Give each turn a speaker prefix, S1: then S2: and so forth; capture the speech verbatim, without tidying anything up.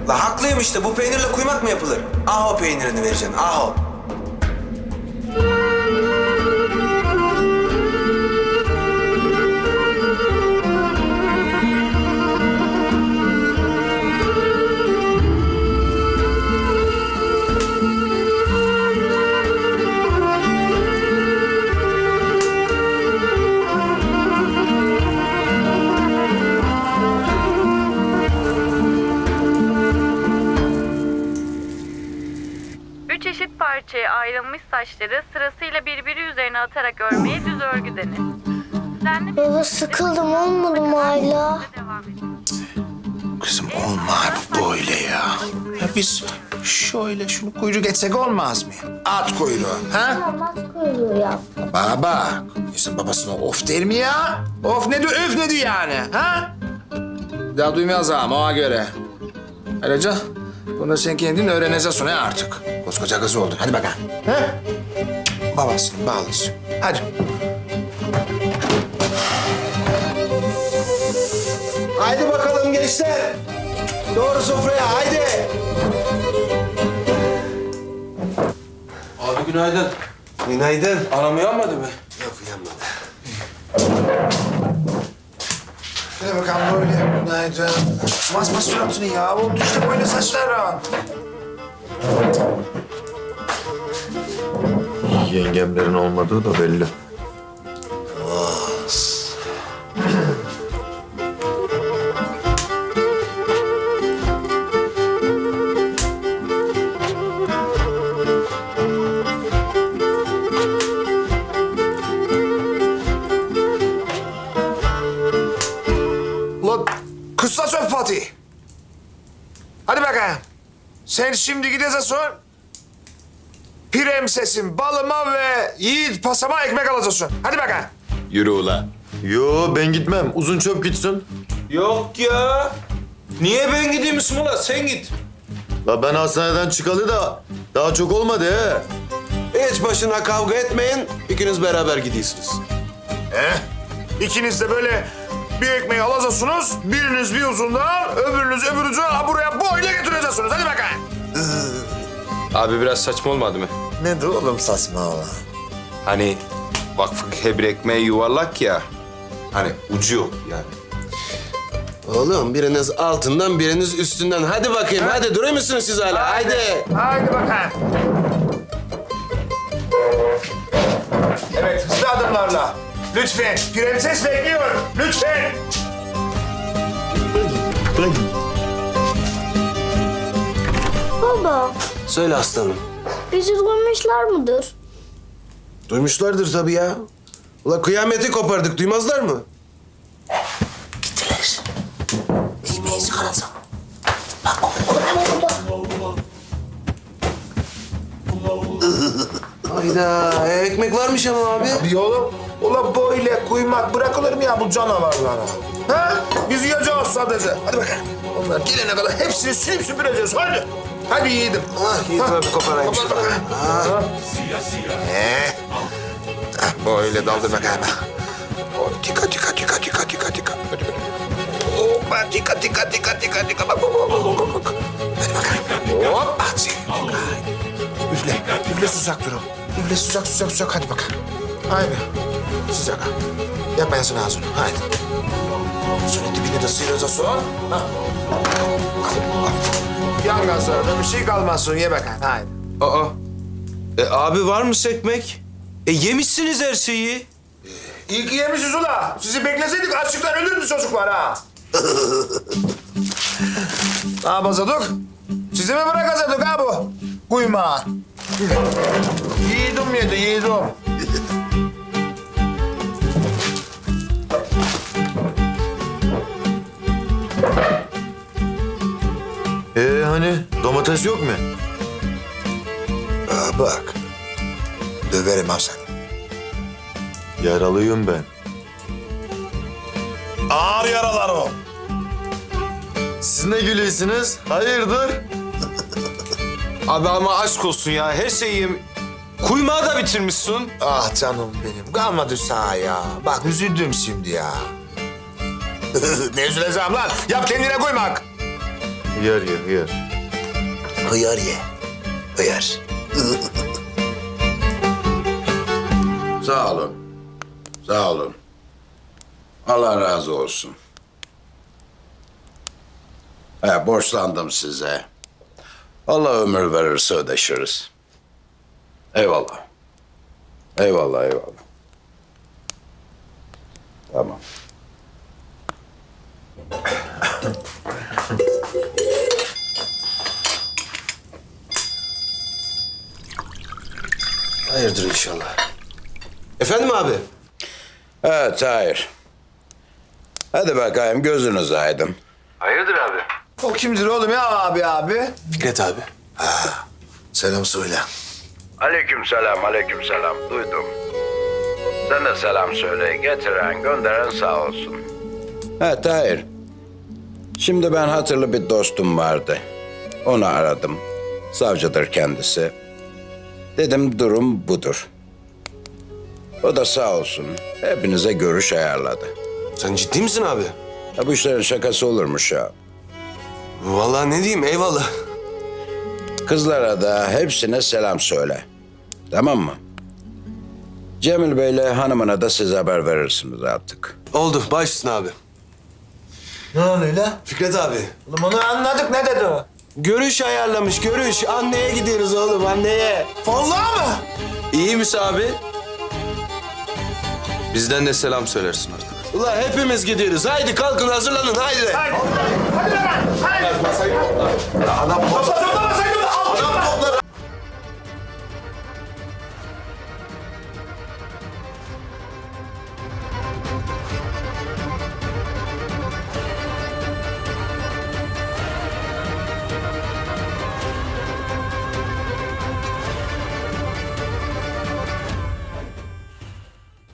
S1: La haklıyım işte. Bu peynirle kuymak mı yapılır? Aho peynirini vereceksin. Aho.
S2: Üç eşit parçaya ayrılmış saçları sırasıyla birbiri üzerine atarak örmeye düz örgü denir. Düzenli bir
S3: Baba
S2: şekilde
S3: sıkıldım, olmadı mı hala?
S2: devam edin.
S4: Kızım olmaz böyle ya. Ya biz şöyle şunu kuyruk etsek olmaz mı? At kuyruğu, ha?
S3: Olmaz kuyruğu yap.
S4: Baba, insan babasına of der mi ya? Of ne diyor, öf ne diyor yani, ha? Daha duymaz ama ona göre. Ayrıca bunu sen kendin öğreneceksin ha artık. Koskoca kız oldun. Hadi bakalım. Ha? Babasını bağlısın. Hadi.
S1: Haydi bakalım gençler. Doğru sofraya haydi.
S5: Abi günaydın.
S1: Günaydın.
S5: Anam uyanmadı mı?
S1: Yok uyanmadı.
S4: Hadi bakalım böyle. Günaydın. Basma suratını ya. Oldu işte böyle saçların.
S6: Yengemlerin olmadığı da belli.
S4: Ulan kısa söp Fatih. Hadi bakayım. Sen şimdi gideceksin. Prensesin balıma ve yiğit pasama ekmek alacaksın. Hadi bakayım.
S6: Yürü ula. Yo ben gitmem. Uzun çöp gitsin.
S5: Yok ya. Niye ben gideyim Müslüman? Sen git.
S6: La ben hastaneden çıkalı da daha çok olmadı he.
S1: Hiç başına kavga etmeyin. İkiniz beraber gidiyorsunuz.
S4: Eh, ikiniz de böyle bir ekmeği alacaksınız. Biriniz bir uzundan, öbürünüz öbür ucuna buraya boyla getireceksiniz. Hadi bakayım.
S5: Abi biraz saçma olmadı mı?
S4: Ne de oğlum saçma ola.
S5: Hani vakfın hebir ekmeği yuvarlak ya. Hani ucu yok yani.
S1: Oğlum biriniz altından biriniz üstünden. Hadi bakayım hadi duruyor musunuz siz hala? Haydi.
S4: Haydi bakayım. Evet, hızlı adımlarla. Lütfen, prenses bekliyor. Lütfen.
S3: Baba,
S1: Söyle aslanım.
S3: bizi duymuşlar mıdır?
S1: Duymuşlardır tabii ya. Ula kıyameti kopardık duymazlar mı?
S4: Gittiler. Ekmeği çıkaracağım.
S1: Hayda e, ekmek varmış ama abi.
S4: Bir oğlum, ulan böyle kuymak bırakılır mı ya bu canavarlara? Ha? Biz yiyeceğiz sadece. Hadi bakalım. Onlar gelene kadar hepsini silip süpüreceğiz. Hadi. Hadi yiğidim.
S1: Ah Yiğit abi koparayım
S4: Kopar
S1: şunu.
S4: bakalım.
S1: Ah.
S4: Ee, ah, böyle daldır bakayım. Oh, tika tika tika tika tika tika. Hadi hadi. Hoppa tika tika tika tika tika. Bak bak bak bak bak. Hadi bakalım. Hop. Hadi. Üfle. Üfle sıcak dur o. Üfle sıcak sıcak sıcak. Hadi bakalım. Haydi. Sıcak. Yapmayasın ağzını. Haydi. Şöyle dibine de sıyıracaksın. Ha. Yan gazlarda bir şey kalmasın. Ye bakalım. Haydi.
S5: Aa. E abi var mı ekmek? E yemişsiniz her şeyi.
S4: İyi ki yemişiz ula. Sizi bekleseydik açlıktan ölürdü çocuklar ha. Ne yapacaktık? Sizi mi bırakacaktık ha bu? Kuyma. Yiğidim yedi, yiğidim.
S6: Ee hani domates yok mu?
S4: Aa, bak. Döverim ha seni.
S6: Yaralıyım ben.
S4: Ağır yaralar o.
S6: Siz ne gülüyorsunuz? Hayırdır?
S5: Abi ama aşk olsun ya. Her şeyi yem... Kuymağı da bitirmişsin.
S4: Ah canım benim. Kalmadı sağ ya. Bak üzüldüm şimdi ya. Ne üzüleceğim lan? Yap kendine kuymak.
S6: Hıyar ye hıyar.
S4: Hıyar ye. Hıyar.
S7: Sağ olun. Sağ olun. Allah razı olsun. He, borçlandım size. Allah ömür verirse ödeşiriz. Eyvallah. Eyvallah, eyvallah. Tamam.
S1: Hayırdır inşallah. Efendim abi?
S7: Evet, hayır. Hadi bakayım, gözünüz aydın.
S5: O kimdir oğlum ya abi abi?
S1: Fikret abi.
S4: Selam söyle.
S7: Aleyküm selam, aleyküm selam. Duydum. Sen de selam söyle. Getiren, gönderen sağ olsun. Evet, hayır. Şimdi ben hatırlı bir dostum vardı. Onu aradım. Savcıdır kendisi. Dedim durum budur. O da sağ olsun. Hepinize görüş ayarladı.
S1: Sen ciddi misin abi?
S7: Ya bu işlerin şakası olurmuş ya.
S1: Vallahi ne diyeyim eyvallah.
S7: Kızlara da hepsine selam söyle. Tamam mı? Cemil Bey'le hanımına da siz haber verirsiniz artık.
S1: Oldu başsın abi.
S5: Ne oluyor lan?
S1: Fikret abi.
S5: Oğlum onu anladık, ne dedi o?
S1: Görüş ayarlamış görüş. Anneye gidiyoruz oğlum anneye.
S5: Vallahi mı? İyi misin abi? Bizden de selam söylersin artık.
S1: Ulan hepimiz gidiyoruz. Haydi kalkın hazırlanın haydi.
S5: Adam